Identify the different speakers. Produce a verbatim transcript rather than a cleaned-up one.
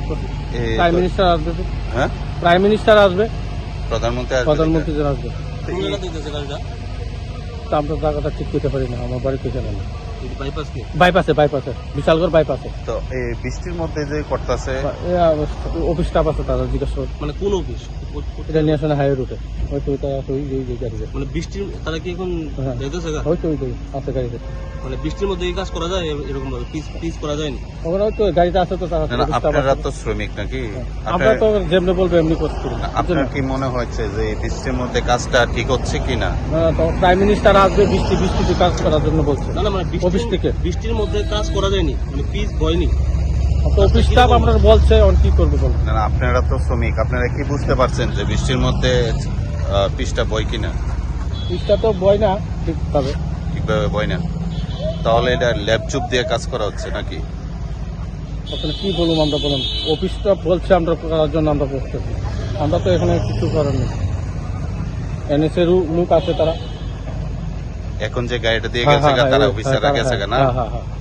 Speaker 1: করতেছি।
Speaker 2: এই
Speaker 1: প্রাইম
Speaker 2: তো-
Speaker 1: মিনিস্টার আসবে তো।
Speaker 2: হ্যাঁ
Speaker 1: প্রাইম মিনিস্টার আসবে,
Speaker 2: প্রধানমন্ত্রী আসবে
Speaker 1: প্রধানমন্ত্রী
Speaker 2: দেখা।
Speaker 1: আসবে।
Speaker 2: তো এই-
Speaker 1: তা আমরা জায়গাটা ঠিক করতে পারি না, আমার বাড়িতে জানা না।
Speaker 3: বাইপাস কি
Speaker 1: বাইপাসে বাইপাসে বিশালগড় বাইপাসে
Speaker 2: তো এই বৃষ্টির মধ্যে যে করতেছে
Speaker 1: অফিস স্টাফ আছে, তারা জিজ্ঞাসা করে।
Speaker 3: মানে কোন অফিস
Speaker 1: এটা নিয়ে আসলে হাইওয়ে রুটে হয়তো ওইটা আছে, ওই যে- ওই যে গাড়িতে
Speaker 3: মানে বৃষ্টির তারা কি এখন
Speaker 1: হ্যাঁ।
Speaker 3: যাইতেছে গা?
Speaker 1: হয়তো ওই যে আছে গাড়িতে,
Speaker 3: মানে বৃষ্টির মধ্যে এই কাজ করা যায় এ- এরকম ভাবে পিস পিস করা যায়নি।
Speaker 1: ওখানে হয়তো গাড়িতে আছে তো তারা
Speaker 2: না, না,
Speaker 1: office staff
Speaker 2: আপনারা
Speaker 1: আছে।
Speaker 2: তো শ্রমিক নাকি
Speaker 1: আমরা
Speaker 2: আপনার
Speaker 1: তো যেমনি বলবো এমনি করছি না।
Speaker 2: আপনার কি মনে হচ্ছে যে এই বৃষ্টির মধ্যে কাজটা ঠিক হচ্ছে কিনা?
Speaker 1: না, তো প্রাইম মিনিস্টার আসবে বৃষ্টি বৃষ্টিতে কাজ করার জন্য বলছে।
Speaker 3: না না মানে
Speaker 1: অফিস
Speaker 3: বৃষ্টির
Speaker 1: থেকে
Speaker 3: বৃষ্টির মধ্যে কাজ করা যায়নি, মানে পিস হয়নি।
Speaker 1: তো অফিস স্টাফ আমরা বলছে, অন কি করবো বলো।
Speaker 2: না না, আপনারা তো শ্রমিক, আপনারা কি বুঝতে পারছেন যে বৃষ্টির মধ্যে আহ, পিচটা বয় কিনা?
Speaker 1: পিসটা তো বয় না ঠিকভাবে।
Speaker 2: ঠিকভাবে বয় না, তাহলে এটা ল্যাপচুপ দিয়ে কাজ করা হচ্ছে নাকি?
Speaker 1: আসলে কি বলুম আমরা, বলুন অফিস স্টাফ বলছে আমরা করার জন্য আমরা করতেছি, আমরা তো এখানে কিছু করার নেই। এনএসএ লোক আছে তারা।
Speaker 2: এখন যে গাড়িটা দিয়ে
Speaker 1: হ্যাঁ,
Speaker 2: গেছে
Speaker 1: হ্যাঁ,
Speaker 2: গা, তারা
Speaker 1: হ্যাঁ,
Speaker 2: অফিসাররা
Speaker 1: হ্যাঁ,
Speaker 2: গেছে গা না?
Speaker 1: হ্যাঁ হ্যাঁ হ্যাঁ